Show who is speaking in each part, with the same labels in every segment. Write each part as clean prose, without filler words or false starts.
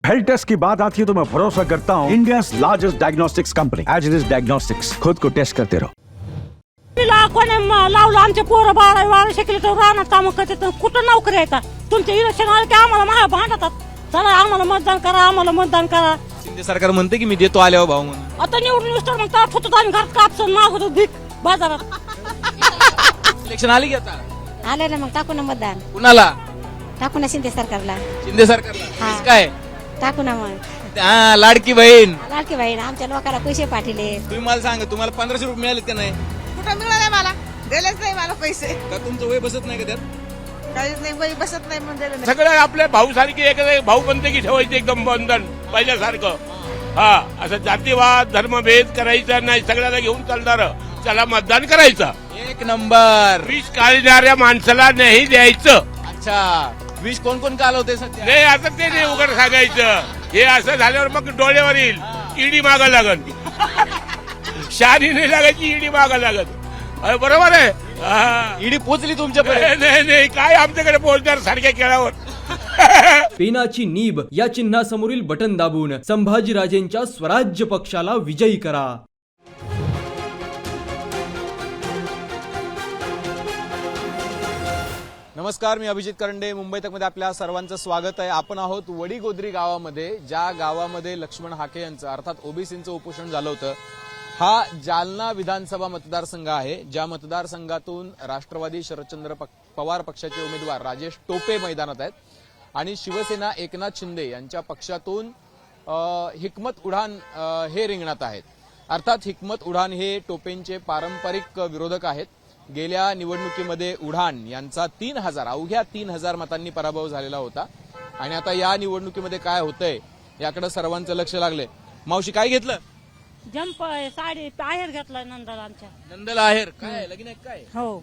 Speaker 1: Health taste की बात आती है तो मैं भरोसा करता हूँ इंडिया लार्जेस्ट डायग्नोस्टिक्स कंपनी एज डायग्नोस्टिक्स। खुद को टेस्ट करते रहो।
Speaker 2: कोणी लावलं आमचे पोरं 12 शिकले तर राहणार काम करतात कुठं नोकरी येतात तुमचे इलेक्शन आले की आम्हाला महाग भांडतात चला आम्हाला मतदान करा आम्हाला मतदान करा।
Speaker 3: शिंदे सरकार म्हणते की मी देतो आल्यावर भाऊ म्हणून
Speaker 2: आता निवडून तर मग तर होतो आम्ही घरात कापसून मागवतो भीक बाजारात।
Speaker 3: इलेक्शन आली की आता
Speaker 4: आले ना मग टाकू ना मतदान
Speaker 3: कुणाला
Speaker 4: टाकू ना शिंदे सरकारला
Speaker 3: शिंदे सरकारला
Speaker 4: हा.
Speaker 3: तेच काय
Speaker 4: टाकू ना मग
Speaker 3: हा, लाडकी बहीण
Speaker 4: लाडकी बहीण आमच्या लोकांना पैसे पाठवले
Speaker 3: तुम्ही मला सांगा तुम्हाला 1500 रुपये मिळालेत का नाही
Speaker 5: कुठं मिळाले मला दिलेच नाही मला पैसे
Speaker 3: का तुमचं वय बसत नाही का त्यात
Speaker 5: काहीच नाही बाई बसत नाही म्हणून दिले नाही
Speaker 6: सगळे आपल्या भाऊ सारखे एक भाऊ बनते की ठेवायचे एकदम बंधन पहिल्यासारखं। हा असं जातीवाद धर्मभेद करायचा नाही सगळ्याला घेऊन चालणार त्याला मतदान करायचं।
Speaker 3: एक नंबर
Speaker 6: विष काढणाऱ्या माणसाला नाही द्यायचं।
Speaker 3: अच्छा विष कोण कोण कालवते सध्या
Speaker 6: नाही असं ते नाही उघड सांगायचं हे असं झाल्यावर मग डोळ्यावर येईल ईडी मागा लागत शहाणी नाही लागायची ईडी मागा लागत अरे बरोबर आहे हा.
Speaker 3: ईडी पोचली तुमच्यापर्यंत
Speaker 6: नाही नाही काय आमच्याकडे पोहोचणार सारख्या खेळावर
Speaker 7: पेनाची नीब या चिन्हासमोरील बटन दाबून संभाजीराजेंच्या स्वराज्य पक्षाला विजयी करा।
Speaker 3: नमस्कार, मी अभिजित करंडे, मुंबई तक मध्ये आपल्या सर्वांचं स्वागत आहे। आपण आहोत वडीगोद्री गावामध्ये, ज्या गावामध्ये लक्ष्मण हाके यांचं अर्थात ओबीसींचं उपोषण झालं होतं। हा जालना विधानसभा मतदारसंघ आहे, ज्या मतदारसंघातून राष्ट्रवादी शरदचंद्र पवार पक्षाचे उमेदवार राजेश टोपे मैदानात आहेत आणि शिवसेना एकनाथ शिंदे यांच्या पक्षातून हिकमत उडान हे रिंगणात आहेत। अर्थात हिकमत उडान हे टोपेंचे पारंपरिक विरोधक आहेत। गेल्या निवडणुकीमध्ये उडान यांचा अवघ्या 3000 मतांनी पराभव झालेला होता आणि आता या निवडणुकीमध्ये काय होतंय याकडे सर्वांचं लक्ष लागलंय। मावशी काय घेतलं?
Speaker 2: जंप साडी आहेर घेतलाय नंदाला आमच्या
Speaker 3: नंदला आहेर काय लगीन आहे काय
Speaker 2: हो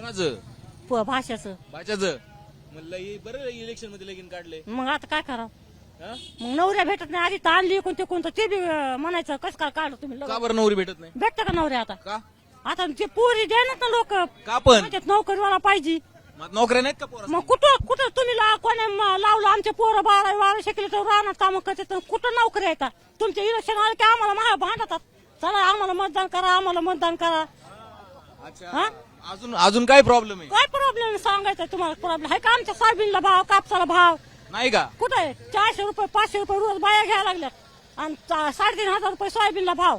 Speaker 3: कोणाचं
Speaker 2: भाषाचं
Speaker 3: भाच्याचं म्हणलं हे बरं इलेक्शन मध्ये लगीन काढले
Speaker 2: मग आता काय करावं
Speaker 3: हा?
Speaker 2: मग नवऱ्या भेटत नाही आधी तर आणली कोणते कोणतं ते बी म्हणायचं कसं काय काढलं तुम्ही
Speaker 3: का बरं नवरी भेटत नाही
Speaker 2: भेटतं का नवऱ्या आता
Speaker 3: का
Speaker 2: आता ते पोरी द्यायला ना लोक
Speaker 3: का पण
Speaker 2: नोकरीवाला पाहिजे
Speaker 3: मग नोकऱ्या नाहीत का पोरा
Speaker 2: मग कुठं कुठं तुम्ही कोणी लावलं आमचे पोरं 12 शिकले तर राहणार काम करतात कुठं नोकरी येतात तुमचे इलेक्शन आले की आम्हाला महाग भांडतात चला आम्हाला मतदान करा आम्हाला मतदान करा।
Speaker 3: अच्छा अजून काय प्रॉब्लेम आहे?
Speaker 2: काय प्रॉब्लेम सांगायचं तुम्हाला प्रॉब्लेम आहे का आमच्या सोयाबीनला भाव कापसाला भाव
Speaker 3: नाही का
Speaker 2: कुठे आहे 400 रुपये 500 रुपये रोज बाया घ्यायला लागल्यात आणि 3500 रुपये सोयाबीनला भाव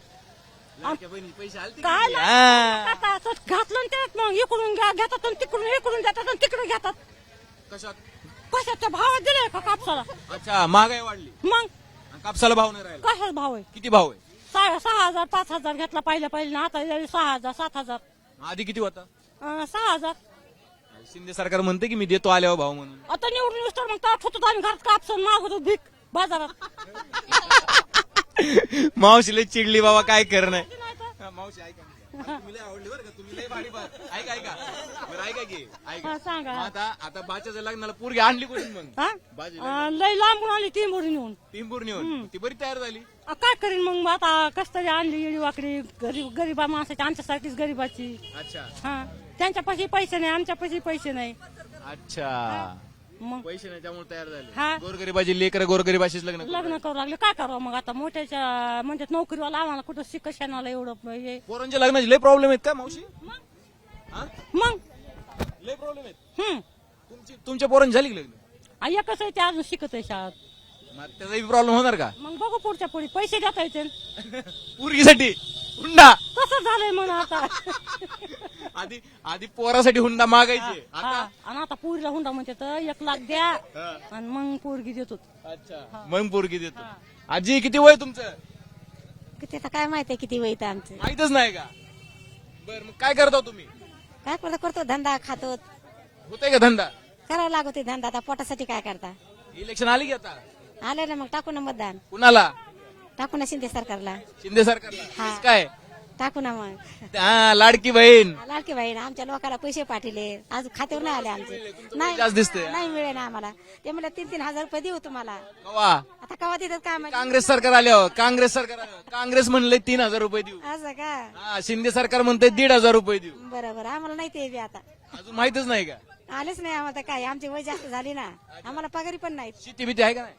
Speaker 3: पैसे आले
Speaker 2: काय नाही. आता असं घातलं ना त्यात मग इकडून घेतात आणि तिकडून इकडून देतात आणि तिकडे घेतात
Speaker 3: कशात?
Speaker 2: कशाच्या भावात दिले का कापसाला
Speaker 3: अच्छा महागाई वाढली
Speaker 2: मग
Speaker 3: आणि कापसाला भाव नाही राहिला
Speaker 2: कशाच भाव आहे
Speaker 3: किती भाव आहे?
Speaker 2: 6,000 5,000 घेतला पहिले ना आता 6,000 7,000
Speaker 3: आधी किती होता?
Speaker 2: 6,000
Speaker 3: शिंदे सरकार म्हणते की मी देतो आल्यावर भाव म्हणून
Speaker 2: आता निवडून तर मग तर होतो आम्ही घरात कापसून मागवतो भीक बाजारात।
Speaker 3: मावशीला चिडली बाबा काय करणं मावशी ऐका तुम्ही लय आवडली बरं का तुम्ही लय भारी ऐका ऐका बरं ऐका की ऐका
Speaker 2: हा, सांगा.
Speaker 3: मग आता बाच्याच्या लग्नाला पोरगी आणली कोणी मग
Speaker 2: हा? लय लांबून आली ती मोरी नेऊन
Speaker 3: टिंबूर नेऊन ती बरी तयार झाली
Speaker 2: काय करीन मग आता कस तरी आणली येडी वाकडी गरीबा माणसाची आमच्यासाठीच गरीबाची
Speaker 3: अच्छा
Speaker 2: हा त्यांच्यापाशी पैसे नाही आमच्यापाशी पैसे नाही
Speaker 3: अच्छा
Speaker 2: मग
Speaker 3: पैसे नाही त्यामुळे तयार
Speaker 2: हा.
Speaker 3: झाले गोरगरीबाची लेकर गोरगरीबाशीच लग्न करू.
Speaker 2: लग्न करू लागले काय करावं मग आता मोठ्याच्या म्हणजे नोकरीवाला आम्हाला कुठं शिक्षणाला एवढं हे
Speaker 3: पोरांच्या लग्नाचे लय प्रॉब्लेम आहेत का मावशी हा?
Speaker 2: मग
Speaker 3: लय प्रॉब्लेम आहेत
Speaker 2: हम्म
Speaker 3: तुमच्या पोरांची झाली की लग्न
Speaker 2: एकच आहे ते अजून शिकत आहे शाळेत
Speaker 3: मग त्याचाही प्रॉब्लेम होणार का
Speaker 2: मग बघू पुढच्या पुढे पैसे देता येते
Speaker 3: पोरगीसाठी हुंडा
Speaker 2: तसं झालंय म्हणा आता
Speaker 3: आधी पोरासाठी हुंडा मागायचे
Speaker 2: हा, आणि आता पुरीला हुंडा म्हणते तर 1 लाख द्या आणि मग पोरगी देतो।
Speaker 3: अच्छा मग पोरगी देतो। आजी किती वय तुमचं?
Speaker 4: किती आता काय माहितीये किती वैत आमचं
Speaker 3: माहितच नाही का? बर मग काय करता तुम्ही?
Speaker 4: काय करतो धंदा खातो
Speaker 3: होतंय का धंदा?
Speaker 4: करावा लागतो धंदा आता पोटासाठी काय करता
Speaker 3: इलेक्शन आली की आता
Speaker 4: आले ना मग टाकू ना मतदान
Speaker 3: कुणाला?
Speaker 4: टाकू ना शिंदे सरकारला
Speaker 3: शिंदे सरकारला
Speaker 4: हा.
Speaker 3: तेच काय
Speaker 4: टाकू ना मग
Speaker 3: हा, लाडकी बहीण
Speaker 4: लाडकी बहीण आमच्या लोकांना पैसे पाठवले आज खात्यावर नाही आले आमचे
Speaker 3: नाही जास्त दिसतंय.
Speaker 4: नाही मिळे ना आम्हाला ते म्हणलं 3-3 हजार रुपये देऊ तुम्हाला
Speaker 3: कवा
Speaker 4: आता कवा देतात काय माहिती
Speaker 3: काँग्रेस सरकार आल्यावर काँग्रेस म्हणले 3000 रुपये देऊ
Speaker 4: असं का
Speaker 3: हा, शिंदे सरकार म्हणते 1500 रुपये देऊ
Speaker 4: बरोबर आम्हाला नाही ते बी आता
Speaker 3: अजून माहितच नाही का?
Speaker 4: आलेच नाही आम्हाला काय आमची वय जास्त झाली ना आम्हाला पगारी पण नाही
Speaker 3: शेती भीती आहे का नाही?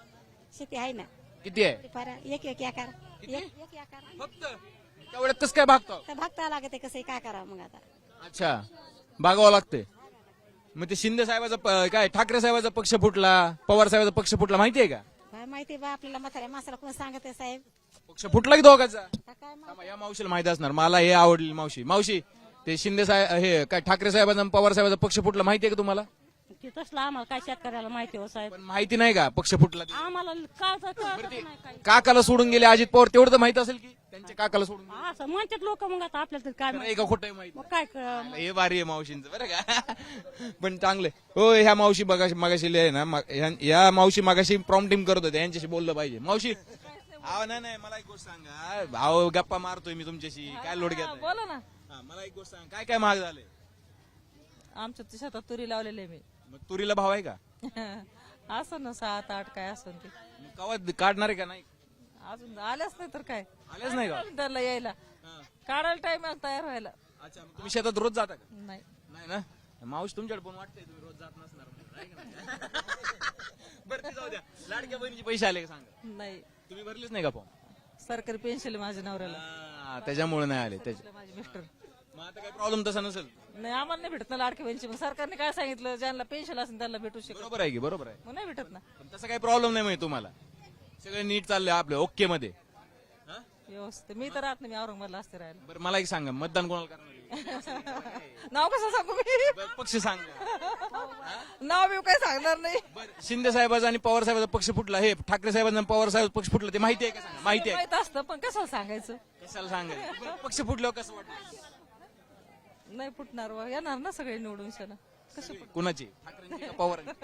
Speaker 4: शेती आहे ना
Speaker 3: किती आहे
Speaker 4: फार एक एकर एक एकर
Speaker 3: फक्त तेवढ्यात कसं काय भागतो
Speaker 4: तर भागता लागते कसं काय करावं मग आता
Speaker 3: अच्छा भागावं लागते मग ते शिंदे साहेबाचा काय ठाकरे साहेबाचा पक्ष फुटला पवार साहेबाचा पक्ष फुटला माहितीये का
Speaker 4: काय माहिती बा आपल्याला म्हाताऱ्या माणसाला कोण सांगत आहे साहेब
Speaker 3: पक्ष फुटला की दोघांचा
Speaker 4: आता काय
Speaker 3: थांबा, या मावशीला माहिती असणार मला हे आवडली मावशी ते शिंदे साहेब हे काय ठाकरे साहेबांचा आणि पवार साहेबाचा पक्ष फुटला माहितीये का तुम्हाला
Speaker 2: की तसलं आम्हाला काय शेतकऱ्याला माहिती हो साहेब
Speaker 3: पण माहिती नाही का पक्ष फुटला ते?
Speaker 2: आम्हाला कळतच नाही काही
Speaker 3: काकाला सोडून गेले अजित पवार तेवढं तर माहित असेल की त्यांच्या काकाला सोडून गेले.
Speaker 2: असं म्हणतात लोक मग आता आपल्याला तरी काय
Speaker 3: खरं
Speaker 2: माहिती.
Speaker 3: आहे का खोटं आहे माहिती
Speaker 2: मग काय कळ-
Speaker 3: हे भारी आहे मावशींचं बरं का पण चांगले हो ह्या मावशी मागाशी आहे ना या मावशी मागाशी प्रॉम्प्टिंग करत होते यांच्याशी बोललं पाहिजे मावशी अहो नाही मला एक गोष्ट सांगा अहो गप्पा मारतोय मी तुमच्याशी काय लोड घेत
Speaker 8: बोला ना
Speaker 3: मला एक गोष्ट सांगा काय महाग झाले
Speaker 8: आमच्या शेतात तुरी लावलेली आहे
Speaker 3: मग तुरीला भाव आहे का
Speaker 8: मी असं ना 7-8 काय असं ते
Speaker 3: मग कवा काढणार आहे का नाही
Speaker 8: अजून आल्याच नाही तर काय
Speaker 3: आलेच नाही का
Speaker 8: त्याला यायला
Speaker 3: हा.
Speaker 8: काढायला टाइम तयार व्हायला
Speaker 3: अच्छा मग तुम्ही शेतात रोज जाता का
Speaker 8: नाही
Speaker 3: नाही ना मावशी तुमच्याकडे पण वाटतंय तुम्ही रोज जात नसणार म्हणून, आहे का नाही? बरं ते जाऊ द्या लाडक्या बहिणीचे पैसे आले का सांगा
Speaker 8: नाही
Speaker 3: तुम्ही भरलेच नाही का फॉर्म
Speaker 8: सरकारी पेन्शन माझ्या नवऱ्याला
Speaker 3: त्याच्यामुळे नाही आले त्याच्या
Speaker 8: माझे मिस्टर
Speaker 3: मग आता काही प्रॉब्लेम तसा नसेल
Speaker 8: नाही आम्हाला नाही भेटत ना लाडकी बहिणीची मग सरकारने काय सांगितलं ज्यांना पेन्शन असेल त्यांना भेटू शकत
Speaker 3: बरोबर आहे की बरोबर आहे
Speaker 8: मग नाही भेटत ना
Speaker 3: पण तसा काही प्रॉब्लेम नाही माहिती तुम्हाला सगळं नीट चाललंय आपलं ओके मध्ये हा?
Speaker 8: व्यवस्थित मी तर राहत नाही मी औरंगाबादला असते राहायला
Speaker 3: बरं मला एक सांगा मतदान कोणाला करणार आहे?
Speaker 8: नाव कसं सांगू मी
Speaker 3: बरं, पक्ष सांगा
Speaker 8: नाव मी काय सांगणार नाही
Speaker 3: बरं शिंदे साहेबाचा आणि पवार साहेबाचा पक्ष फुटला हे ठाकरे साहेबांचा आणि पवार साहेबाचा पक्ष फुटला ते माहिती आहे का सांगा माहिती आहे
Speaker 8: माहित असतं पण कसं सांगायचं
Speaker 3: कशाला सांगायचं बरं, पक्ष फुटल्यावर कसं वाटलं
Speaker 8: नाही फुटणार वा येणार ना सगळे निवडून शाला कसं
Speaker 3: कुणाची ठाकरेंची का पवारांची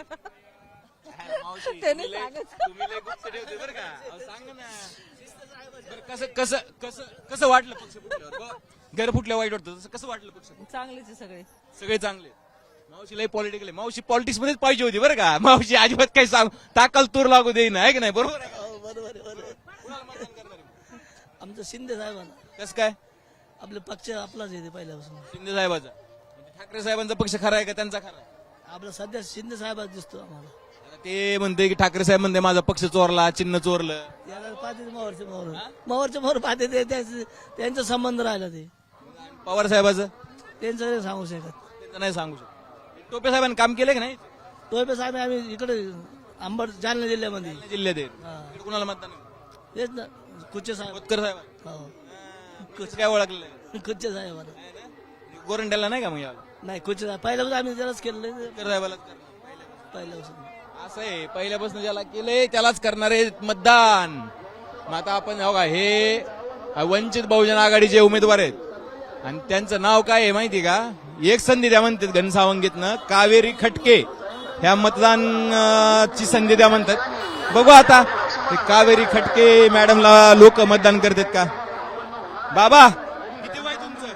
Speaker 3: मावशी,
Speaker 8: त्यांनी
Speaker 3: तुम्ही लय-
Speaker 8: सांगायचं.
Speaker 3: तुम्ही लय गुप्त ठेवते बरं का अहो, सांगा ना बरं, कसं कसं कसं कसं वाटलं पक्ष फुटल्यावर बुवा, घर फुटल्या वाईट वाटतं तसं कसं वाटलं पक्ष फुटल्यावर?
Speaker 8: चांगलेच आहे सगळे
Speaker 3: सगळे चांगले मावशी लय पॉलिटिकल आहे मावशी पॉलिटिक्स मध्येच पाहिजे होती बरं का मावशी अजिबात काही सांग ताकल तूर लागू देईन आहे की नाही बरोबर आहे का? कुणाला मतदान करणार आहे?
Speaker 9: आमचं शिंदे साहेबांना
Speaker 3: कसं काय
Speaker 9: आपले पक्ष आपलाच येते पहिल्यापासून
Speaker 3: शिंदे साहेबाचा म्हणजे ठाकरे साहेबांचा पक्ष खरा आहे का त्यांचा खरा आहे
Speaker 9: आपला सध्या शिंदे साहेबाच दिसतो आम्हाला
Speaker 3: आता ते म्हणते की ठाकरे साहेब म्हणते माझा पक्ष चोरला चिन्ह चोरलं
Speaker 9: याला पाहते मोहरचे मोहर पाहते ते त्यांचा संबंध राहिला ते
Speaker 3: पवार साहेबाचं
Speaker 9: त्यांचं नाही सांगू शकत
Speaker 3: त्यांचं नाही सांगू शकतो टोपे साहेबांनी काम केलं की नाही
Speaker 9: टोपे साहेब आम्ही इकडे अंबड जालना जिल्ह्यामध्ये
Speaker 3: जिल्ह्यात आहे.
Speaker 9: हा.
Speaker 3: इकडे कुणाला मतदान आहे?
Speaker 9: तेच ना कुच्चे साहेब
Speaker 3: खोतकर साहेब
Speaker 9: हो
Speaker 3: कसं काय ओळखलेलं आहे?
Speaker 9: कुच्चे साहेबांना
Speaker 3: आहे ना? गोरंट्याला नाही का मग याला
Speaker 9: नाही कुच्चे साहेब पहिल्यापासून आम्ही त्यालाच केलेलं
Speaker 3: खोतकर साहेबालाच करणार.
Speaker 9: पहिल्यापासून
Speaker 3: असं आहे पहिल्यापासून ज्याला केलंय त्यालाच करणार आहे मतदान मग आता आपण हो का हे वंचित बहुजन आघाडीचे उमेदवार आहेत आणि त्यांचं नाव काय आहे माहिती का एक संधी द्या म्हणतात घनसावंगीतनं कावेरी खटके ह्या मतदान ची संधी द्या म्हणतात बघू आता ते कावेरी खटके मॅडमला लोक मतदान करतात का बाबा किती वय तुमचं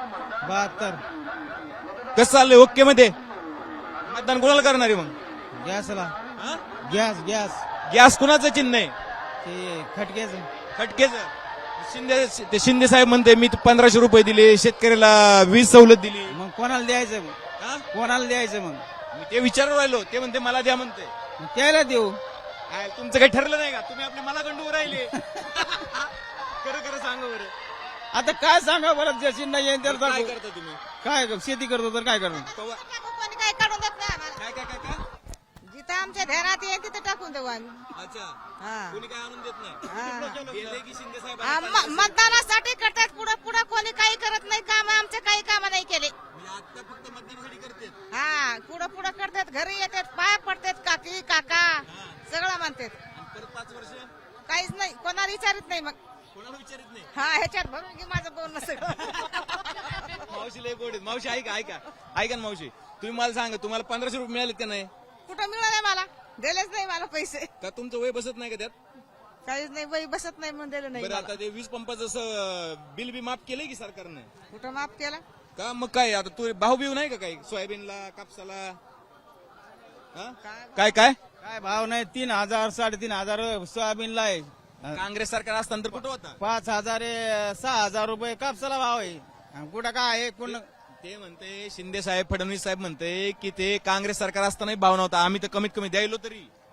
Speaker 10: 72
Speaker 3: कसं चाललंय ओके मध्ये मतदान कोणाला करणार आहे मग
Speaker 10: गॅसला
Speaker 3: हा?
Speaker 10: गॅस
Speaker 3: गॅस कुणाचं चिन्ह आहे
Speaker 10: ते खटक्याचं
Speaker 3: खटकेचं ते शिंदे साहेब म्हणते मी 1500 रुपये दिले शेतकऱ्याला वीज सवलत दिली
Speaker 10: मग कोणाला द्यायचं मग
Speaker 3: हा?
Speaker 10: कोणाला द्यायचं मग
Speaker 3: मी ते विचारून राहिलो ते म्हणते मला द्या म्हणते
Speaker 10: मग त्याला देऊ
Speaker 3: काय तुमचं काही ठरलं नाही का तुम्ही आपले मला गंडूवर राहिले खरं खरं सांगा बरं
Speaker 10: आता काय सांगा बरं ज्याची नाही येईन त्याला
Speaker 3: काय
Speaker 10: दाखवू.
Speaker 3: करता तुम्ही
Speaker 10: काय शेती करतो तर काय करतो
Speaker 3: पवार-
Speaker 5: कोणी काही काढून देत नाही आम्हाला
Speaker 3: काय काय काय काय
Speaker 5: जिथं आमच्या ध्यानात येईल तिथं टाकून देऊ आम्ही
Speaker 3: अच्छा
Speaker 5: हा.
Speaker 3: कोणी काय आणून देत नाही
Speaker 5: हा.
Speaker 3: गेले की शिंदे साहेब
Speaker 5: मतदानासाठी करतात पुढं पुढं कोणी काही करत नाही काम आमचे काही काम नाही केले
Speaker 3: आता फक्त मतदानासाठी करते
Speaker 5: हा पुढं पुढं करतात घरी येतात पाय पडतात काकी काका सगळं म्हणतात
Speaker 3: परत 5 वर्ष
Speaker 5: काहीच नाही कोणाला विचारित नाही मग
Speaker 3: कोणाला विचारित नाही
Speaker 5: हा ह्याच्यात भरून घे माझं बोलणं सगळं
Speaker 3: मावशी लय गोड आहेत. मावशी ऐका ऐका ऐका ना मावशी तुम्ही मला सांगा तुम्हाला 1500 रुपये मिळालेत का नाही
Speaker 5: कुठं मिळालंय मला दिलेच नाही मला पैसे
Speaker 3: का तुमचं वय बसत नाही का त्यात
Speaker 5: काहीच नाही बाई बसत नाही म्हणून दिलं नाही
Speaker 3: बरं
Speaker 5: मला.
Speaker 3: आता ते वीज पंपाचं बिल बी माफ केलंय की सरकारने
Speaker 5: कुठं माफ केला
Speaker 3: का मग काय आता तू भाऊ बिव नाही का काही सोयाबीनला कापसाला हा? काय काय
Speaker 10: काय भाव नाही 3000 3.5 सोयाबीनला आहे
Speaker 3: काँग्रेस सरकार असताना तर कुठं होता
Speaker 10: 5000 6000 रुपये कापसाला भाव आहे आणि कुठं काय आहे कोण
Speaker 3: ते म्हणते शिंदे साहेब फडणवीस साहेब म्हणते की ते काँग्रेस सरकार असतानाही भाव नव्हता आम्ही तर कमीत कमी द्यायलो तरी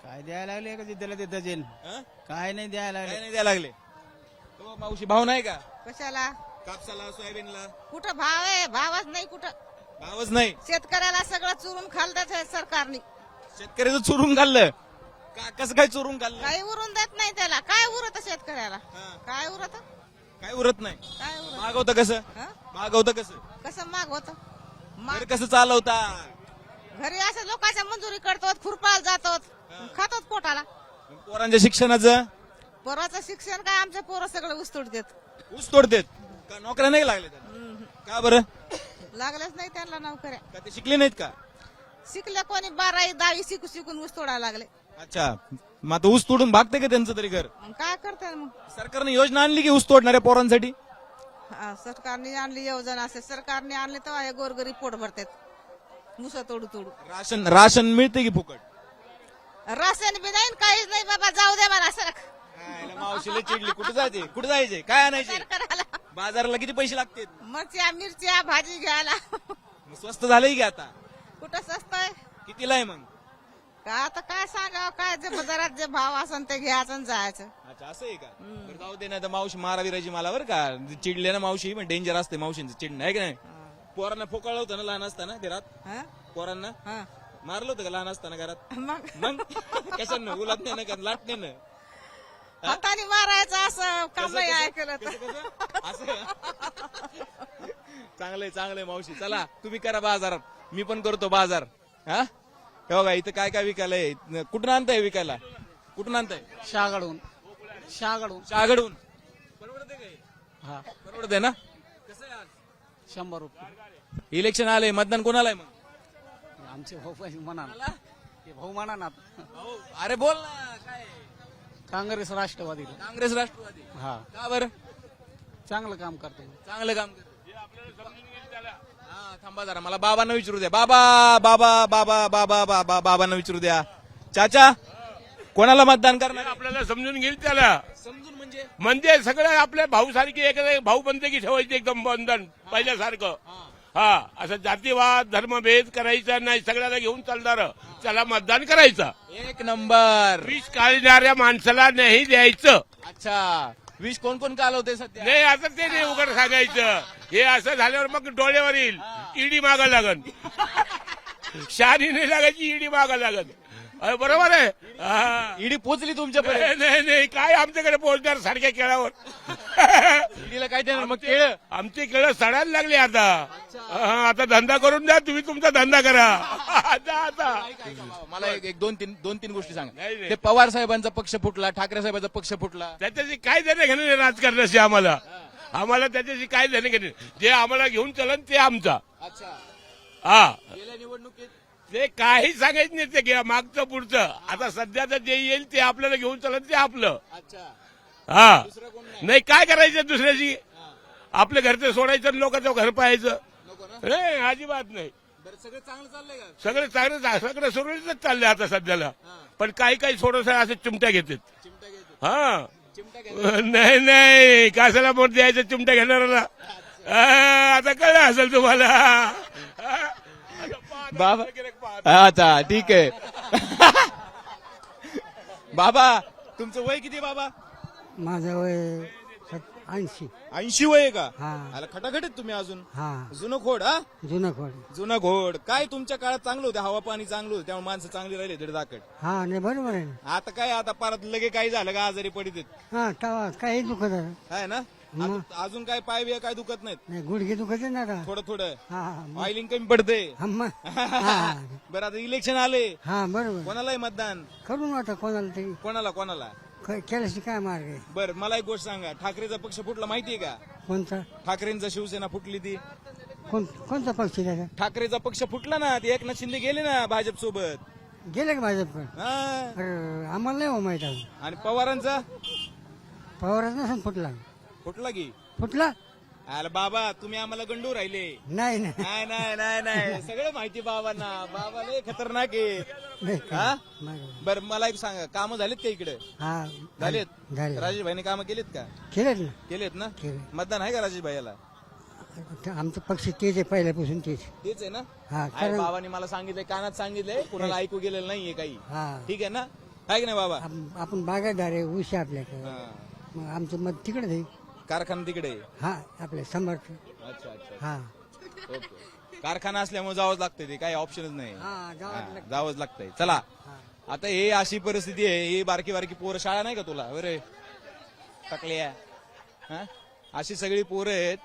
Speaker 10: काय द्यायला लागले का जिद्दला तिथं जेल
Speaker 3: हं?
Speaker 10: काय नाही द्यायला
Speaker 3: काय
Speaker 10: लागले
Speaker 3: नाही द्यायला लागले हो, मावशी भाव नाही का
Speaker 5: कशाला
Speaker 3: कापसाला सोयाबीनला
Speaker 5: कुठं भाव आहे भावच नाही कुठं
Speaker 3: भावच नाही
Speaker 5: शेतकऱ्याला सगळं चुरून खालतात हे सरकारने
Speaker 3: शेतकऱ्याचं चोरून खाल्लं कसं काय चोरून खाल्लं
Speaker 5: काही उरून देत नाही त्याला काय उरत शेतकऱ्याला
Speaker 3: हं.
Speaker 5: काय उरत
Speaker 3: काय उरत नाही
Speaker 5: काय उरत
Speaker 3: मागवतं कसं
Speaker 5: हं?
Speaker 3: मागवतं कसं
Speaker 5: कसं माग होत
Speaker 3: घर कसं चालवता
Speaker 5: घरी असं लोकांच्या मंजुरी करतो खुरपाला जातो खातो पोटाला
Speaker 3: पोरांच्या शिक्षणाचं
Speaker 5: पोराचं शिक्षण काय आमचे पोरं सगळं उस्तूड देत
Speaker 3: ऊस तोडतेत का नोकऱ्या नाही लागल्या त्यांना? का बरं
Speaker 5: लागलंच नाही त्यांना नोकऱ्या
Speaker 3: का ते शिकले नाहीत का
Speaker 5: शिकले कोणी 12वी 10वी शिकून ऊस तोडायला लागले
Speaker 3: अच्छा मग आता ऊस तोडून भागते का त्यांचं तरी घर
Speaker 5: मग काय करतात मग
Speaker 3: सरकारने योजना आणली की ऊस तोडणाऱ्या पोरांसाठी
Speaker 5: हा, सरकारने आणली योजना असे सरकारने आणली तर हे गोरगरीब पोट भरतात मुसा तोडू तोडू
Speaker 3: राशन मिळते की फुकट
Speaker 5: राशन बी नाही काहीच नाही बाबा जाऊ दे मला सरक
Speaker 3: मावशीला चिडली कुठे जायचे काय आणायचे
Speaker 5: सरकाराला
Speaker 3: बाजाराला किती पैसे लागते
Speaker 5: मरच्या मिरच्या भाजी घ्यायला
Speaker 3: स्वस्त झालंय की आता
Speaker 5: कुठं स्वस्त आहे
Speaker 3: कितीला आहे मग
Speaker 5: का आता काय सांगावं काय जे बाजारात जे भाव असन ते घ्यायचं आणि जायचं
Speaker 3: अच्छा असं आहे का बरं जाऊ दे ना तर मावशी माराविराजी मला बरं का चिडले ना मावशी पण डेंजर असते मावशींचं चिडणं आहे का नाही पोरांना फोकाळलं होतं ना लहान असताना घरात
Speaker 5: हं?
Speaker 3: पोरांना
Speaker 5: हं.
Speaker 3: मारलं होतं का लहान असताना घरात
Speaker 5: मग
Speaker 3: मग कशानं उलटणे ना का लाटणे
Speaker 5: हाताने मारायचं असं काम नाही ऐकलं तर
Speaker 3: चांगलंय मावशी चला तुम्ही करा बाजारात मी पण करतो बाजार हा हे बघा इथं काय काय विकायलंय कुठून आणताय विकायला कुठून आणताय
Speaker 10: शागडून
Speaker 3: शहागडून परवडते काय
Speaker 10: हा
Speaker 3: परवडते ना कसं आहे आज
Speaker 10: 100 रुपये
Speaker 3: इलेक्शन आलंय मतदान कोणाला आहे मग
Speaker 10: आमचे भाऊ म्हणा भाऊ म्हणा ना
Speaker 3: अहो, अरे बोल ना काय
Speaker 10: काँग्रेस राष्ट्रवादी
Speaker 3: काँग्रेस राष्ट्रवादी
Speaker 10: हा
Speaker 3: का बरं
Speaker 10: चांगलं काम करते
Speaker 3: चांगलं काम करतो हा थांबा जरा मला बाबांना विचारू द्या बाबांना विचारू द्या चाचा कोणाला मतदान करणार
Speaker 6: आपल्याला समजून घेईल त्याला
Speaker 3: समजून
Speaker 6: म्हणजे सगळं आपल्या भाऊ सारखी एक भाऊ बनते की ठेवायचे एकदम बंधन पहिल्यासारखं हा असं जातीवाद धर्मभेद करायचा नाही सगळ्याला घेऊन चालणार त्याला मतदान करायचं
Speaker 3: एक नंबर
Speaker 6: विष काढणाऱ्या माणसाला नाही द्यायचं
Speaker 3: अच्छा विष कोण कोण कालवते सध्या
Speaker 6: नाही आता ते नाही उघड सांगायचं हे असं झाल्यावर मग डोळ्यावर येईल ईडी मागा लागन शहाणी नाही लागायची ईडी मागा लागन बरोबर आहे हा.
Speaker 3: ईडी पोचली तुमच्यापर्यंत
Speaker 6: नाही काय आमच्याकडे पोहोचणार सारख्या केळावर
Speaker 3: ईडीला काय देणार मग केळ
Speaker 6: आमचे केळं सडायला लागले आता आता धंदा करून द्या तुम्ही तुमचा धंदा करा आता
Speaker 3: मला एक दोन तीन गोष्टी सांगा
Speaker 6: नाही, नाही.
Speaker 3: ते पवार साहेबांचा पक्ष फुटला ठाकरे साहेबांचा पक्ष फुटला
Speaker 6: त्याच्याशी काय देणं घेणं नाही राजकारणाशी आम्हाला त्याच्याशी काय देणं घेणं नाही. जे आम्हाला घेऊन चलन ते आमचा
Speaker 3: अच्छा
Speaker 6: हा
Speaker 3: गेल्या निवडणुकीत
Speaker 6: ते काही सांगायचं नाही ते घ्या मागचं पुढचं आता सध्याचं जे येईल ते आपल्याला घेऊन चलन ते आपलं
Speaker 3: अच्छा
Speaker 6: हा
Speaker 3: दुसरं कोण नाही
Speaker 6: नाही काय करायचं दुसऱ्याची आपल्या घरचं सोडायचं आणि लोकांचं घर पाहायचं
Speaker 3: नको ना
Speaker 6: नाही अजिबात नाही
Speaker 3: बरं सगळं चांगलं चाललंय का
Speaker 6: सगळं चांगलं सगळं सुरळीतच चाललंय आता सध्याला पण काही थोडस असे चिमट्या घेतात
Speaker 3: चिमटा घेतो
Speaker 6: हा
Speaker 3: चिमटा घेतो
Speaker 6: नाही कशाला मोठ द्यायचं चिमट्या घेणाऱ्याला आता कळलं असेल तुम्हाला
Speaker 3: बाबा अच्छा ठीक आहे बाबा तुमचं वय किती बाबा
Speaker 9: माझं वय 80
Speaker 3: 80 वय आहे का
Speaker 9: हा
Speaker 3: आला खटाखट आहेत तुम्ही अजून
Speaker 9: हा
Speaker 3: जुनं खोड हा
Speaker 9: जुनं खोड
Speaker 3: जुना घोड काय तुमच्या काळात चांगलं होतं हवा पाणी चांगलं होतं त्यामुळे माणसं चांगली राहिले दीड दाकड
Speaker 9: हा नाही बरोबर आहे ना
Speaker 3: आता काय आता परत लगे काही झालं का आजारी पडित
Speaker 9: हा तवा काही दुखत आहे
Speaker 3: आहे ना अजून काय पाय बिया काय दुखत नाहीत
Speaker 9: नाही गुडघे दुखत आहे ना का
Speaker 3: थोडं
Speaker 9: हा
Speaker 3: ऑइलिंग कमी पडते
Speaker 9: हा मग हा
Speaker 3: बरं आता इलेक्शन आले
Speaker 9: हा बरोबर
Speaker 3: कोणालाही मतदान
Speaker 9: करून आता कोणाला तरी
Speaker 3: कोणाला
Speaker 9: केल्याशी काय मार्ग आहे
Speaker 3: बरं मला एक गोष्ट सांगा ठाकरेचा पक्ष फुटला माहितीये का
Speaker 9: कोणता
Speaker 3: ठाकरेंचा शिवसेना फुटली ती
Speaker 9: कोणता पक्ष त्याचा
Speaker 3: ठाकरेचा पक्ष फुटला ना ते एकनाथ शिंदे गेले ना भाजप सोबत
Speaker 9: गेले का भाजपकडे
Speaker 3: हा
Speaker 9: अरे आम्हाला नाही हो माहित अजून
Speaker 3: आणि पवारांचा
Speaker 9: पवारच नसून
Speaker 3: फुटला की
Speaker 9: फुटला
Speaker 3: अरे बाबा तुम्ही आम्हाला गंडू राहिले
Speaker 9: नाही नाही
Speaker 3: नाही सगळं माहिती बाबांना बाबा लय खतरनाक आहे
Speaker 9: नाही
Speaker 3: हा?
Speaker 9: बरोबर.
Speaker 3: बरं मला एक सांगा कामं झालीत का इकडे
Speaker 9: हा
Speaker 3: झालेत
Speaker 9: झाले
Speaker 3: राजेश भाईने कामं केलीत का
Speaker 9: केलेत ना
Speaker 3: केलेत ना
Speaker 9: केले
Speaker 3: मतदान आहे का राजेश भाईला
Speaker 9: आमचं पक्ष तेच आहे पहिल्यापासून तेच
Speaker 3: तेच आहे ना
Speaker 9: हा
Speaker 3: आहे,
Speaker 9: कारण
Speaker 3: बाबांनी मला सांगितलंय कानात सांगितलंय कुणाला ऐकू गेलेलं नाहीये काही
Speaker 9: हा
Speaker 3: ठीक आहे ना आहे की नाही बाबा?
Speaker 9: आपण बागायतदार आहे, ऊस आहे आपल्याकडे,
Speaker 3: हा.
Speaker 9: मग आमचं मत तिकडे जाईल.
Speaker 3: कारखाना तिकडे आहे.
Speaker 9: हा आपले समर्थ.
Speaker 3: अच्छा अच्छा
Speaker 9: हा
Speaker 3: ओके. कारखाना असल्यामुळे जावंच लागतंय, ते काही ऑप्शनच नाही.
Speaker 9: हा, जावंच
Speaker 3: हा, जावंच लागतंय. चला आता हे अशी परिस्थिती आहे, ही बारकी बारकी पोरं, शाळा नाही का तुला बरे टाकल्या? हा? अशी सगळी पोरं आहेत.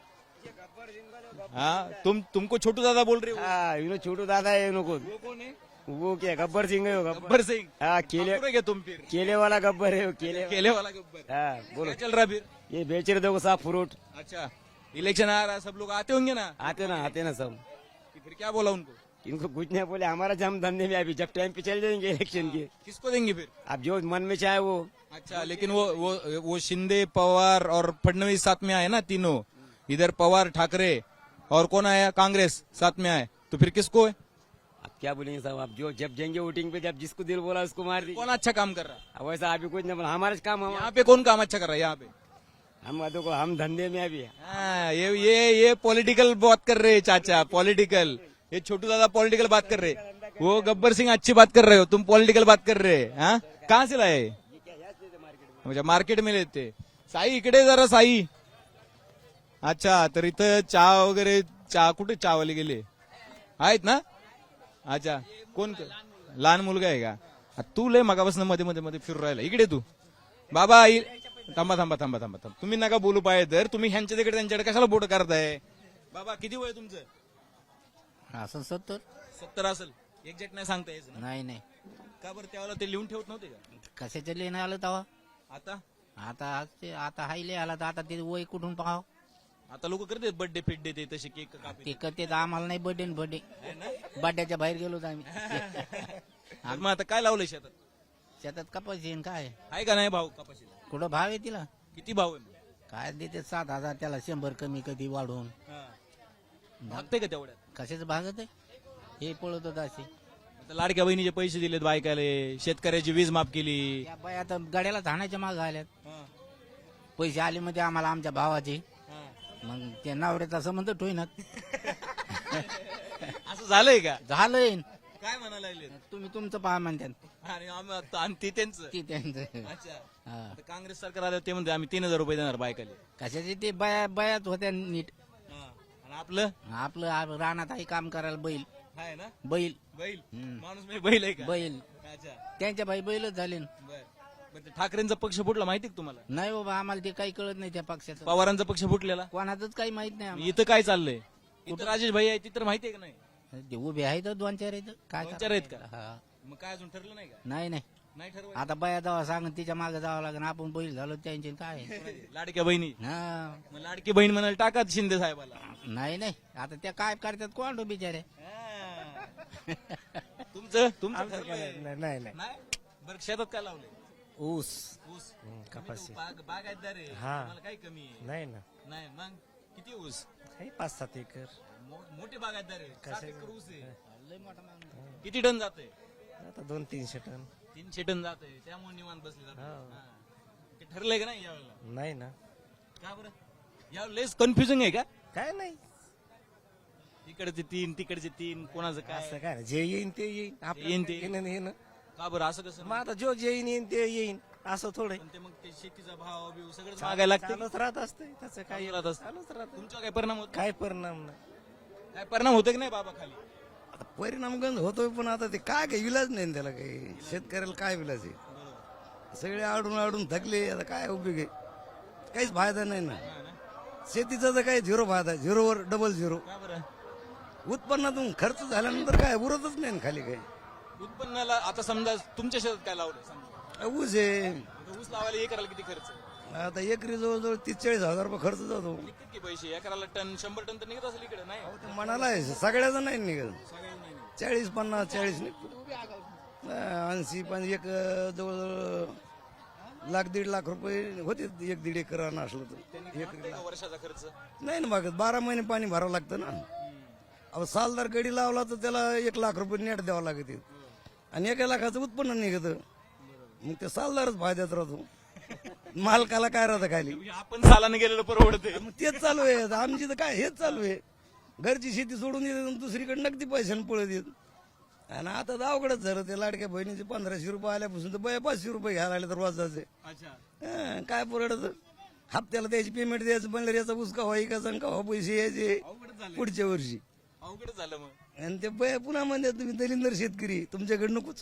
Speaker 3: हाँ तुमको छोटू दादा बोल रहे हो?
Speaker 10: छोटू दादा है इनको
Speaker 3: वो कौन है?
Speaker 10: वो क्या गब्बर सिंह है
Speaker 3: गब्बर सिंह।
Speaker 10: हाँ
Speaker 3: गब्बर है क्या तुम फिर?
Speaker 10: केले वाला गब्बर है
Speaker 3: केले वाला गब्बर।
Speaker 10: हाँ
Speaker 3: क्या चल रहा फिर?
Speaker 10: ये बेच रहे देखो साफ फ्रूट।
Speaker 3: अच्छा इलेक्शन आ रहा है, सब लोग आते होंगे ना?
Speaker 10: आते ना सब।
Speaker 3: फिर क्या बोला उनको?
Speaker 10: इनको कुछ नहीं बोले, हमारा जम धंधे में अभी जब टाइम पे चल जाएंगे इलेक्शन के,
Speaker 3: किसको देंगे फिर?
Speaker 10: अब जो मन में चाहे वो।
Speaker 3: अच्छा लेकिन वो शिंदे पवार और फडणवीस साथ में आए ना तीनों, इधर पवार ठाकरे और कौन आया, कांग्रेस साथ में आए, तो फिर किसको है?
Speaker 10: अब क्या बोलेंगे साहब, अब जो जब जाएंगे वोटिंग पे, जब जिसको दिल बोला उसको मार दीजिए।
Speaker 3: कौन अच्छा काम कर रहा है
Speaker 10: अब वैसा अभी कुछ नहीं बोला, हमारा काम
Speaker 3: यहाँ पे? कौन काम अच्छा कर रहा है यहाँ पे?
Speaker 10: हम देखो हम धंधे में अभी।
Speaker 3: हाँ, ये पॉलिटिकल बात कर रहे हैं चाचा, पॉलिटिकल। ये छोटू दादा पॉलिटिकल बात कर रहे हैं, वो गब्बर सिंह अच्छी बात कर रहे हो, तुम पॉलिटिकल बात कर रहे हैं। हाँ कहाँ से लाए? म्हणजे मार्केट में लेते। साई इकडे जरा साई। अच्छा तर इथं चहा वगैरे, चहा कुठे चहावाले गेले आहेत ना? अच्छा कोण? लहान मुलगा आहे का? तू लय मगापासून मध्ये मध्ये मध्ये फिरू राहिला, इकडे तू बाबा. थांबा थांबा थांबा थांबा थांबा, तुम्ही नका बोलू पाहिजे तर, तुम्ही ह्यांच्या तिकडे त्यांच्याकडे कशाला बोट करताय? बाबा किती वय तुमचं?
Speaker 9: असं 70.
Speaker 3: 70 असेल, एक्झॅक्ट नाही सांगता यायचं ना?
Speaker 9: नाही
Speaker 3: का बरं त्यावेळेला ते लिहून ठेवत नव्हते का?
Speaker 9: कशाच्या लिहिणं आलं तेव्हा.
Speaker 3: आता
Speaker 9: आता हायले आला तर आता ते वय कुठून पाहाव.
Speaker 3: आता लोक करतात बर्थडे फिट ते तसे केक कापी.
Speaker 9: ते करते आम्हाला नाही बर्थडे बड्ड्याच्या बाहेर गेलो आम्ही.
Speaker 3: मग आता काय लावलंय शेतात?
Speaker 9: शेतात कपाशी आहे, काय
Speaker 3: आहे का नाही भाऊ कपाशीला?
Speaker 9: कुठं भाव आहे तिला?
Speaker 3: किती भाव आहे?
Speaker 9: काय देते 7,000, त्याला 100 कमी कधी वाढवून.
Speaker 3: भागते का तेवढ्यात?
Speaker 9: कशाचं भागत आहे हे पळत होत असे.
Speaker 3: आता लाडक्या बहिणीचे पैसे दिलेत बायकाले, शेतकऱ्याची वीज माफ केली.
Speaker 9: त्या बाई आता गाड्याला धाण्याच्या माग आल्यात. पैसे आले मध्ये आम्हाला आमच्या भावाचे, मग ते नवऱ्याचा संबंध ठोईनात.
Speaker 3: असं झालंय का?
Speaker 9: झालंय.
Speaker 3: काय म्हणायला लागले?
Speaker 9: तुम्ही तुमचं पहा म्हणतात,
Speaker 3: आणि ती त्यांचं.
Speaker 9: ती त्यांचं.
Speaker 3: अच्छा
Speaker 9: हा.
Speaker 3: आता काँग्रेस सरकार आलं ते म्हणते आम्ही 3,000 रुपये देणार बायकाले.
Speaker 9: कशाचे ते बयात होत्या नीट.
Speaker 3: आणि आपलं
Speaker 9: रानात आहे काम करायला बैल.
Speaker 3: आहे ना
Speaker 9: बैल
Speaker 3: बैल? माणूस म्हणजे बैल आहे का?
Speaker 9: बैल
Speaker 3: अच्छा
Speaker 9: त्यांच्या बाई बैलच झाले.
Speaker 3: बर ठाकरेंचा पक्ष फुटला माहिती का तुम्हाला?
Speaker 9: नाही बाबा, आम्हाला ते काही कळत नाही त्या पक्षाचं.
Speaker 3: पवारांचा पक्ष फुटलेला
Speaker 9: कोणाचंच काही माहित नाही आम्हाला.
Speaker 3: इथं काय चाललंय? इथं राजेश भाई आहे, तिथं माहितीये का नाही?
Speaker 9: ते उभे आहेत 2-4 आहेत. काय
Speaker 3: 2-4 आहेत का?
Speaker 9: हा.
Speaker 3: मग काय अजून ठरलं नाही का?
Speaker 9: नाही
Speaker 3: नाही ठरवलं.
Speaker 9: आता बाया जावा सांग, तिच्या मागे जावं लागेल. आपण बैल झालो त्यांचे काय.
Speaker 3: लाडक्या बहिणी,
Speaker 9: हा.
Speaker 3: मग लाडकी बहीण म्हणाल टाका शिंदे साहेबाला.
Speaker 9: नाही आता त्या काय करतात कोण बिचारे.
Speaker 3: तुमचं ठरलंय?
Speaker 10: नाही
Speaker 3: नाही बरं शेतात काय लावलंय?
Speaker 10: ऊस
Speaker 3: ऊस.
Speaker 10: कपाशी.
Speaker 3: बागायतदार आहे,
Speaker 10: हा.
Speaker 3: तुम्हाला काही कमी आहे?
Speaker 10: नाही ना,
Speaker 3: नाही मग किती ऊस?
Speaker 10: काही 5-7 एकर.
Speaker 3: मोठे बागायतदार आहे, 7 एकर ऊस आहे. किती टन जाते?
Speaker 10: आता 200-300 टन.
Speaker 3: 300 टन जाते, त्यामुळे निवांत बसले जाते. ठरलंय का नाही यावेळेला?
Speaker 10: नाही ना,
Speaker 3: का बरं? यावेळेस कन्फ्युजन आहे का?
Speaker 10: काय नाही,
Speaker 3: इकडचे 3 तिकडचे 3, कोणाचं
Speaker 10: असं
Speaker 3: काय?
Speaker 10: काय नाही. जे येईन ते येईन.
Speaker 3: येईन ते.
Speaker 10: येईन.
Speaker 3: का बरं असं कसं?
Speaker 10: मग आता जो जे येईन ते येईन, असं थोडं
Speaker 3: पण ते मग ते शेतीचा भाव बिव सगळं मागायला लागतं.
Speaker 10: चालूच राहत असते त्याचं काही.
Speaker 3: चालूच राहत असतं.
Speaker 10: चालूच राहत.
Speaker 3: तुमचा काय परिणाम होतो?
Speaker 10: काय परिणाम नाही.
Speaker 3: काय परिणाम होतो की नाही बाबा खाली?
Speaker 10: आता परिणाम गंज होतोय, पण आता ते काय काही विलाज नाही ना त्याला. काही शेतकऱ्याला काय विलाज आहे? सगळे आडून थकले, आता काय उपयोग आहे? काहीच फायदा नाही ना. शेतीचा तर काय 0 फायदा, 0वर डबल 0.
Speaker 3: का बरं?
Speaker 10: उत्पन्नातून खर्च झाल्यानंतर काय उरतच नाही ना खाली. काही
Speaker 3: उत्पन्नाला आता समजा तुमच्या शेतात काय लावलं समजा,
Speaker 10: ऊस आहे.
Speaker 3: आता ऊस लावायला एकराला किती खर्च?
Speaker 10: आता एकरी जवळजवळ 30-40 हजार रुपये खर्च जातो.
Speaker 3: निघतात की पैसे? एकराला टन 100 टन तर निघत असेल इकडे नाही?
Speaker 10: ते मनाला आहे, सगळ्याचं नाही निघत.
Speaker 3: सगळं नाही निघत.
Speaker 10: 40-50-40 निघतो. 80 एक जवळजवळ 1-1.5 लाख रुपये होते 1-1.5 एकर असलं तर.
Speaker 3: मागते का वर्षाचा खर्च?
Speaker 10: नाही ना मागत, 12 महिने पाणी भरावं लागतं ना. अब सालदार गडी लावला तर त्याला 1 लाख रुपये नेट द्यावं लागते, आणि 1 लाखाचं उत्पन्न निघत. मग ते सालदारच फायद्यात राहतो, मालकाला काय राहतं खाली.
Speaker 3: म्हणजे आपण सालाने गेलेलं परवडते.
Speaker 10: मग तेच चालू आहे आमची तर. काय हेच चालू आहे, घरची शेती सोडून येत, दुसरीकडे नगदी पैशाने पळत येत. आणि आता तर अवघडच झालं ते लाडक्या बहिणीचे 1500 रुपये आल्यापासून तर बया 500 रुपये घ्यायला आले तर रोजाचे. काय परवडत हप्त्याला त्याची पेमेंट द्यायचं म्हणलं याचा उसका व्हाय का संका पैसे यायचे पुढच्या वर्षी.
Speaker 3: अवघड झालं मग.
Speaker 10: आणि ते बया पुन्हा म्हणतात तुम्ही दलिंदर शेतकरी तुमच्याकडे नकोच.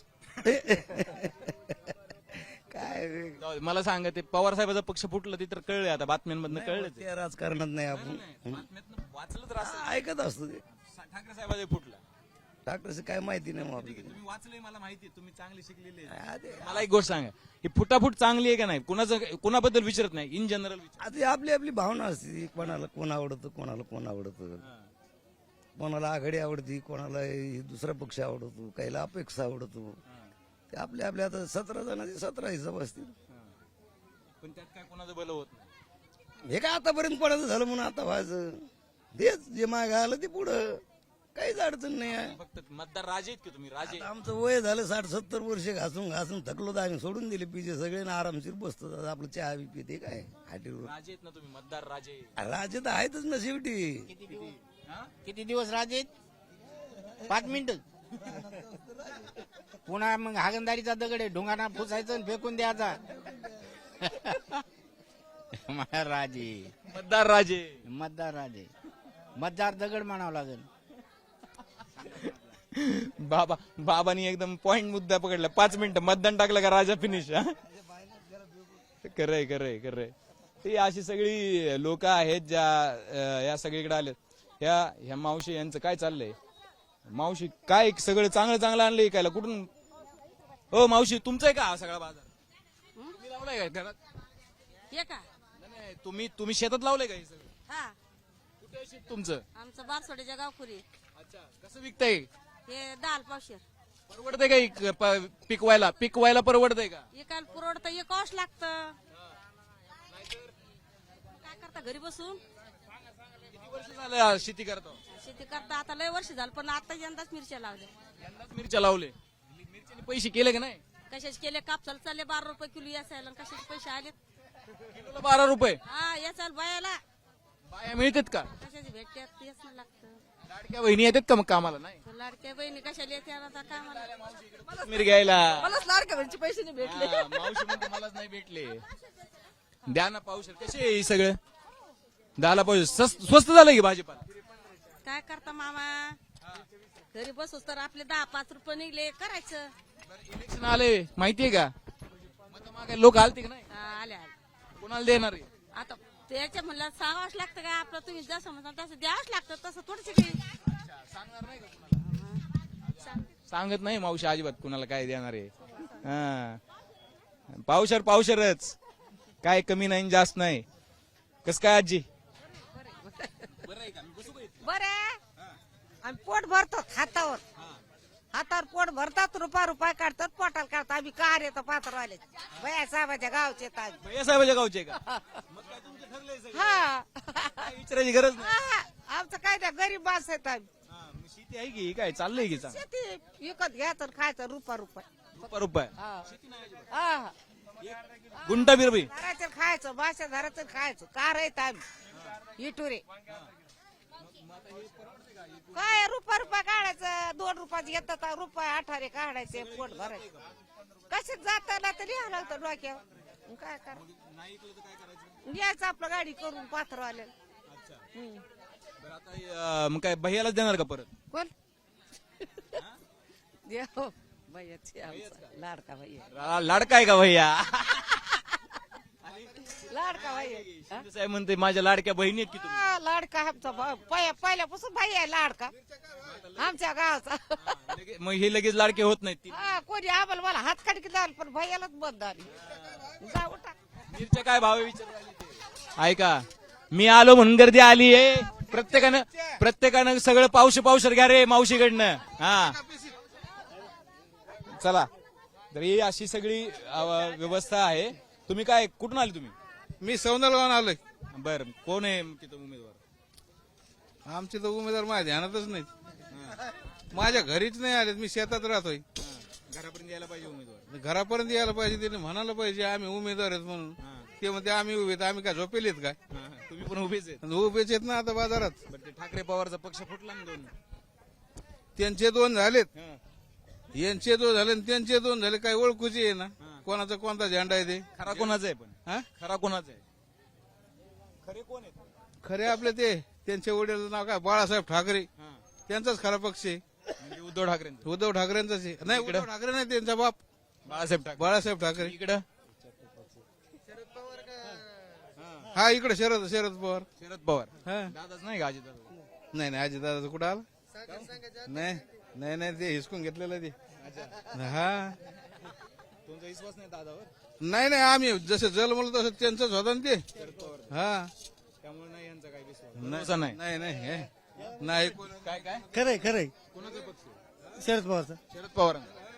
Speaker 10: काय
Speaker 3: जाऊ दे, मला सांगा ते पवार साहेबाचा पक्ष फुटलं ते तर कळलंय आता बातम्यांमधनं कळलं ते.
Speaker 10: ते राजकारणात नाही आपण
Speaker 3: बातम्यातनं वाचलं तर असं
Speaker 10: ऐकत असतो ते.
Speaker 3: ठाकरे साहेबाचा फुटला.
Speaker 10: डॉक्टरचं काय माहिती नाही मग आपल्याला.
Speaker 3: तुम्ही वाचलंय मला माहिती तुम्ही चांगले शिकलेले आहे.
Speaker 10: हा, ते-
Speaker 3: मला एक गोष्ट सांगा ही फुटाफूट चांगली आहे का नाही कुणाबद्दल विचारत नाही इन जनरल
Speaker 10: आता ही आपली आपली भावना असते कोणाला कोण आवडतं कोणाला कोण आवडतं. कोणाला आघाडी आवडती कोणाला हे दुसरा पक्ष आवडतो काहीला अपेक्षा आवडतो. ते आपल्या आपल्या आता 17 जणांचे 17 हिसाब असतील.
Speaker 3: पण त्यात काय कोणाचं भलं होत नाही.
Speaker 10: हे काय आतापर्यंत कोणाचं झालं म्हणून आता व्हायचं तेच जे माग आलं ते पुढं काहीच अडचण नाही आहे.
Speaker 3: फक्त मतदार राजे आहेत की तुम्ही राजे.
Speaker 10: आता आमचं वय झालं 60-70 वर्ष घासून घासून थकलो तर आम्ही सोडून दिले पिजे सगळे ना आरामशीर बसतो आता आपलं चहा बी पिते काय हाटीवर.
Speaker 3: राजे आहेत ना तुम्ही मतदार राजे.
Speaker 10: राज्य तर आहेतच ना शेवटी.
Speaker 9: किती दिवस राजे 5 मिनिट. पुन्हा मग हागंदारीचा दगड आहे ढोंगाना फुसायचं आणि फेकून द्यायचा. राजे
Speaker 3: मतदार राजे.
Speaker 9: मतदार राजे मतदार दगड म्हणावं लागेल.
Speaker 3: बाबांनी एकदम पॉइंट मुद्दा पकडला. 5 मिनिटं मतदान टाकलं का राजा फिनिश. खरंय खरंय खरंय. ही अशी सगळी लोक आहेत ज्या या सगळीकडे आलेत. ह्या मावशी यांचं काय चाललंय. मावशी काय सगळं चांगलं चांगलं आणलंय काय कुठून. हो मावशी तुमचं आहे का हा सगळा बाजार तुम्ही लावलाय का घरात.
Speaker 2: हे का
Speaker 3: नाही, तुम्ही शेतात लावलंय का हे सगळं.
Speaker 2: हा
Speaker 3: कुठे आहे शेत तुमचं.
Speaker 2: आमचं बारसोडीच्या गावखुरी.
Speaker 3: अच्छा कसं विकताय.
Speaker 2: हे दाल पावशेर
Speaker 3: परवडतंय का पिकवायला परवडतंय का.
Speaker 2: एकाला पुरवडतं एक कॉश लागतं. काय करता घरी बसून
Speaker 3: किती वर्ष झालं शेती करतो.
Speaker 2: शेती करता आता लय वर्ष झालं पण आता यंदाच मिरच्या लावल्या.
Speaker 3: यंदाच मिरच्या लावले. मिरच्याने पैसे केले का नाही.
Speaker 2: कशाचे केले कापसाला चालले 12 रुपये किलो याचायला कशाचे पैसे आले.
Speaker 3: किलोला 12 रुपये.
Speaker 2: हा याचायला बायाला
Speaker 3: बाया मिळतात का.
Speaker 2: कशाचे भेटतात तेच ना लागतं.
Speaker 3: लाडक्या बहिणी येतात का मग कामाला. नाही
Speaker 2: लाडक्या बहिणी कशाला येते आता कामाला.
Speaker 3: मिर घ्यायला.
Speaker 8: मलाच लाडक्या बहिणीचे पैसे नाही भेटले.
Speaker 3: हा, मावशी म्हणते मलाच नाही भेटले. द्या ना पावशेर. कसे आहे हे सगळं. 10 पावशेर स्वस्त झालं की भाजीपाला.
Speaker 2: काय करता मामा घरी बसूस तर आपले 10-5 रुपये निघले करायचं.
Speaker 3: इलेक्शन आले माहितीये का. मत मागायला लोक आलते का नाही.
Speaker 2: आले आले
Speaker 3: कोणाला देणार आहे.
Speaker 2: आता त्याच्या म्हणलं सांगावंच लागतं का आपलं तुम्ही जसं म्हणता तसं द्यावंच लागतं तसं थोडंच काही.
Speaker 3: सांगणार नाही का कुणाला. सांगत नाही मावशी अजिबात कुणाला काय देणार आहे. हा पावशेरच काय कमी नाही जास्त नाही. कस काय आजी.
Speaker 5: बरे आम्ही पोट भरतो हातावर पोट भरतात रुपया काढतात पोटाला काढतात. आम्ही कार येतो पात्रवाले भैया साहेबाच्या गावचे येतात.
Speaker 3: भैया साहेबाच्या गावचे का. मग काय तुमचं ठरलंय सगळं?
Speaker 5: हा
Speaker 3: काय विचारायची गरज नाही.
Speaker 5: हा, आमचं काय नाही गरीब माणसं आहेत आम्ही.
Speaker 3: मग शेती आहे की काय चाललंय की चांगलं.
Speaker 5: शेती विकत घ्यायचं आणि खायचं रुपया.
Speaker 3: रुपये
Speaker 5: हा
Speaker 3: गुंटा बिरबी.
Speaker 5: धरायचं खायचं मासे धरायचं खायचं कार येत आम्ही इटुरे. काय रुपया काढायचं 2 रुपयाचं येतात रुपये 18 काढायचे पोट भरायचं. कशात जाताना तर लिहावं लागतं डोक्यावर. काय करा यायचं आपलं गाडी करून पात्रवाल्या.
Speaker 3: मग काय भैयालाच देणार का परत.
Speaker 5: कोण देव भैयाची आमचा लाडका भैया.
Speaker 3: लाडका आहे का भैया.
Speaker 5: लाडका भैया
Speaker 3: शिंदे साहेब म्हणते माझ्या लाडक्या बहिणी आहेत की तुम्ही.
Speaker 5: हा, लाडका आमचा पहिल्यापासून भैया आहे लाडका आमच्या गावचा.
Speaker 3: मग हे लगेच लाडके होत नाहीत.
Speaker 5: हा कोणी आम्हाला मला हात काढकी झालं पण भैयालाच बंद आली. जा उठा.
Speaker 3: मिरच्या काय भाव विचार ऐका मी आलो म्हणून गर्दी आली आहे. प्रत्येकानं सगळं पावशेर घ्या रे मावशीकडनं. हा चला तर ही अशी सगळी व्यवस्था आहे. तुम्ही काय कुठून आले तुम्ही.
Speaker 11: मी सौंदरगावून आलोय.
Speaker 3: बर कोण आहे तिथं उमेदवार.
Speaker 11: आमचे तर उमेदवार माझ्या ध्यानातच नाहीत. माझ्या घरीच नाही आलेत. मी शेतात राहतोय.
Speaker 3: घरापर्यंत यायला पाहिजे उमेदवार.
Speaker 11: घरापर्यंत यायला पाहिजे. त्याने म्हणायला पाहिजे आम्ही उमेदवार आहेत म्हणून. ते म्हणते आम्ही उभे आम्ही काय झोपेलेत काय.
Speaker 3: तुम्ही पण उभेच आहेत.
Speaker 11: उभेच आहेत ना आता बाजारात.
Speaker 3: ठाकरे पवारचा पक्ष फुटला ना 2.
Speaker 11: त्यांचे 2 झालेत. यांचे दोन झाले आणि त्यांचे दोन झाले, काही ओळखूची आहे ना कोणाचा कोणता झेंडा आहे ते.
Speaker 3: खरा कोणाचा आहे पण
Speaker 11: हा?
Speaker 3: खरा कोणाचा आहे? खरे कोण आहेत?
Speaker 11: खरे आपले ते त्यांचे वडील नाव काय बाळासाहेब ठाकरे, त्यांचाच खरा पक्ष आहे.
Speaker 3: म्हणजे उद्धव ठाकरेंचा.
Speaker 11: उद्धव ठाकरेंचाच आहे. नाही, उद्धव ठाकरे नाही, त्यांचा बाप
Speaker 3: बाळासाहेब ठाकरे.
Speaker 11: बाळासाहेब ठाकरे.
Speaker 3: इकडं
Speaker 11: हा, इकडे शरद पवार.
Speaker 3: शरद पवार.
Speaker 11: हा.
Speaker 3: दादाच नाही का अजितदादा?
Speaker 11: नाही नाही, अजित दादा कुठं आला? नाही नाही नाही, ते हिसकून घेतलेलं ते. हा,
Speaker 3: तुमचा विश्वास नाही दादावर?
Speaker 11: नाही नाही, आम्ही जसं जन्मलो तसं त्यांचंच होतं ना ते. हा,
Speaker 3: त्यामुळे नाही यांचा काही विश्वास नाही.
Speaker 11: नाही नाही हे. नाही
Speaker 3: काय काय
Speaker 10: खरंय खरंय
Speaker 3: कोणाचा पक्ष?
Speaker 10: शरद पवारचा.
Speaker 3: शरद पवार.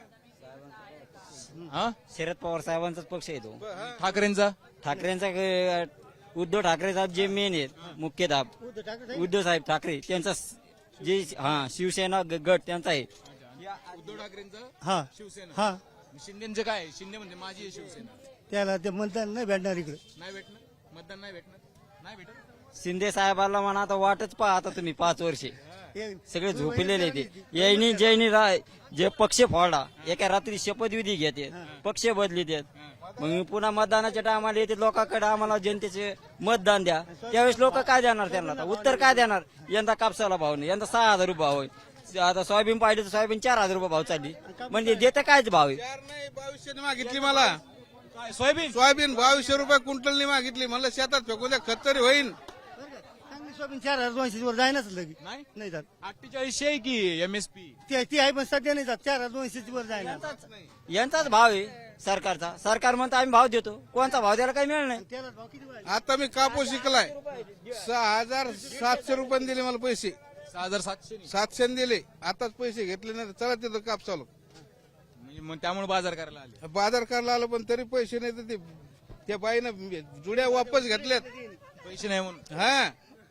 Speaker 3: हा,
Speaker 9: शरद पवार साहेबांचाच पक्ष आहे तो.
Speaker 3: ठाकरेंचा.
Speaker 9: ठाकरेंचा उद्धव ठाकरे साहेब जे मेन आहेत मुख्यधाप, उद्धव साहेब ठाकरे त्यांचा जे शिवसेना गट त्यांचा आहे.
Speaker 3: उद्धव ठाकरेंचा
Speaker 10: हा
Speaker 3: शिवसेना.
Speaker 10: हा,
Speaker 3: शिंदेचं काय आहे? शिंदे म्हणजे माझी आहे शिवसेना.
Speaker 10: त्याला ते मतदान नाही भेटणार इकडे.
Speaker 3: नाही भेटणार मतदान, नाही भेटणार, नाही भेटत.
Speaker 9: शिंदे साहेबाला म्हणा आता वाटच पहा आता तुम्ही 5 वर्षे सगळे झोपलेले ते यांनी जैनी जे पक्ष फोडला, एका रात्री शपथविधी घेते, पक्ष बदली देत, मग पुन्हा मतदानाच्या टायमाला येते लोकांकडे आम्हाला जनतेचे मतदान द्या. त्यावेळेस लोक काय देणार त्यांना? आता उत्तर काय देणार? यंदा कापसाला भाव नाही, यंदा 6,000 रुपये भाव आहे. आता सोयाबीन पाहिजे तर सोयाबीन 4,000 रुपये भाव चालली, म्हणजे देते कायच भाव आहे?
Speaker 11: 2200 मागितली मला
Speaker 3: सोयाबीन.
Speaker 11: 2200 रुपये क्विंटलनी मागितली. म्हणलं शेतात फेकून द्या, खत तरी होईन.
Speaker 10: चांगली सोयाबीन 4,200 वर जायनाच लगे.
Speaker 3: नाही
Speaker 10: नाही जात.
Speaker 3: 4800 आहे की एमएसपी.
Speaker 10: ती आहे पण सध्या नाही जात. 4,200 वर जायना.
Speaker 9: यांचाच भाव आहे सरकारचा. सरकार म्हणतो आम्ही भाव देतो, कोणता भाव द्यायला काही मिळणार नाही.
Speaker 10: त्याला भाव किती वाढले?
Speaker 11: आता मी कापूस शिकलाय, 6,700 रुपये दिले मला पैसे.
Speaker 3: 6,700.
Speaker 11: 700 दिले, आताच पैसे घेतले नाही. चला तिथं काप चालू.
Speaker 3: म्हणजे मग त्यामुळे बाजार करायला आले.
Speaker 11: बाजार करायला आलो पण तरी पैसे नाही, तर त्या बाईनं जुड्या वापस घेतल्यात.
Speaker 3: पैसे नाही म्हणून.
Speaker 11: हा,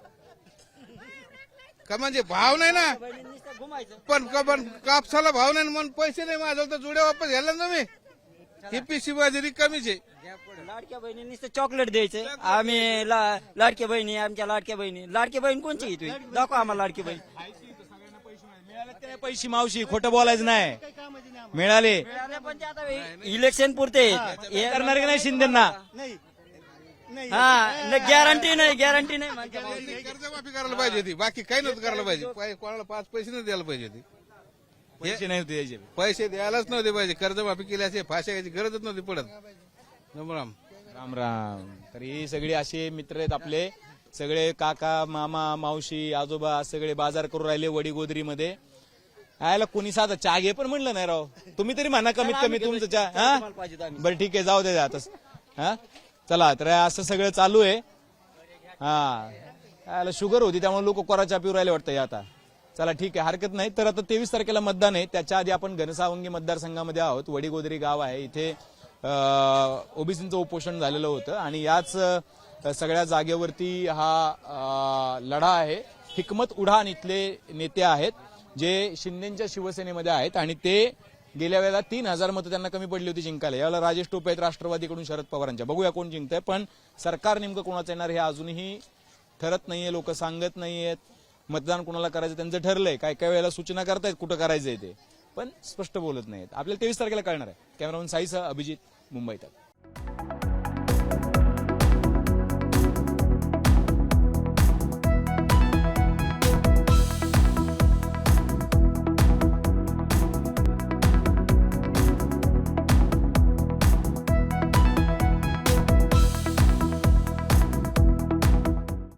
Speaker 11: का म्हणजे भाव नाही ना, पण कापसाला भाव नाही म्हणून पैसे नाही माझं, तर जुड्या वापस घ्यायला ना मी. ही पिशी माझी रिकामीच आहे.
Speaker 9: लाडक्या बहिणींनी चॉकलेट द्यायचे. आम्ही लाडक्या बहिणी, आमच्या लाडक्या बहिणी. लाडकी बहीण कोणची आहे तुम्ही? दाखवा आम्हाला लाडकी बहीण.
Speaker 3: पैसे मावशी, खोटं बोलायचं नाही. मिळाले
Speaker 9: पण ते आता इलेक्शन पुरते
Speaker 3: हे करणार की नाही शिंदेना?
Speaker 10: नाही नाही.
Speaker 9: हा, गॅरंटी नाही म्हणते.
Speaker 11: कर्जमाफी करायला पाहिजे होती, बाकी काही नव्हतं करायला पाहिजे. कोणाला 5 पैसे नाही द्यायला पाहिजे होती.
Speaker 3: पैसे नाही होते द्यायचे.
Speaker 11: पैसे द्यायलाच नव्हते पाहिजे. कर्जमाफी केल्याचे फाशी घ्यायची गरजच नव्हती पडत. राम राम.
Speaker 3: राम राम. तर ही सगळी असे मित्र आहेत आपले, सगळे काका, मामा, मावशी, आजोबा सगळे बाजार करून राहिले वडीगोद्री मध्ये. आयला कोणी साधा चहा घे पण म्हणलं नाही राव. तुम्ही तरी म्हणा कमीत कमी तुमचं चहा. हा, बरं ठीक आहे, जाऊ दे आता. हा, चला. तर असं सगळं चालू आहे. हा, आयला शुगर होती त्यामुळे लोक कोरा चहा पिऊ राहिले वाटतं आता. चला ठीक आहे, हरकत नाही. तर आता 23 तारखेला मतदान आहे. त्याच्या आधी आपण घनसावंगी मतदारसंघामध्ये आहोत. वडीगोद्री गाव आहे, इथे ओबीसींचं उपोषण झालेलं होतं आणि याच सगळ्या जागेवरती हा लढा आहे. हिकमत उढाण इथले नेते आहेत जे शिंदेच्या शिवसेनेमध्ये आहेत आणि ते गेल्या वेळेला 3,000 मतं त्यांना कमी पडली होती जिंकायला. यावेळेला राजेश टोपे आहेत राष्ट्रवादीकडून शरद पवारांच्या. बघूया कोण जिंकतंय, पण सरकार नेमकं कोणाचं येणार हे अजूनही ठरत नाहीये. लोक सांगत नाहीयेत. मतदान कोणाला करायचं त्यांचं ठरलंय. काय काय वेळेला सूचना करतायत कुठं करायचंय ते, पण स्पष्ट बोलत नाहीत. आपल्याला 23 तारखेला कळणार आहे. कॅमेरामन साईसह अभिजित, मुंबईत.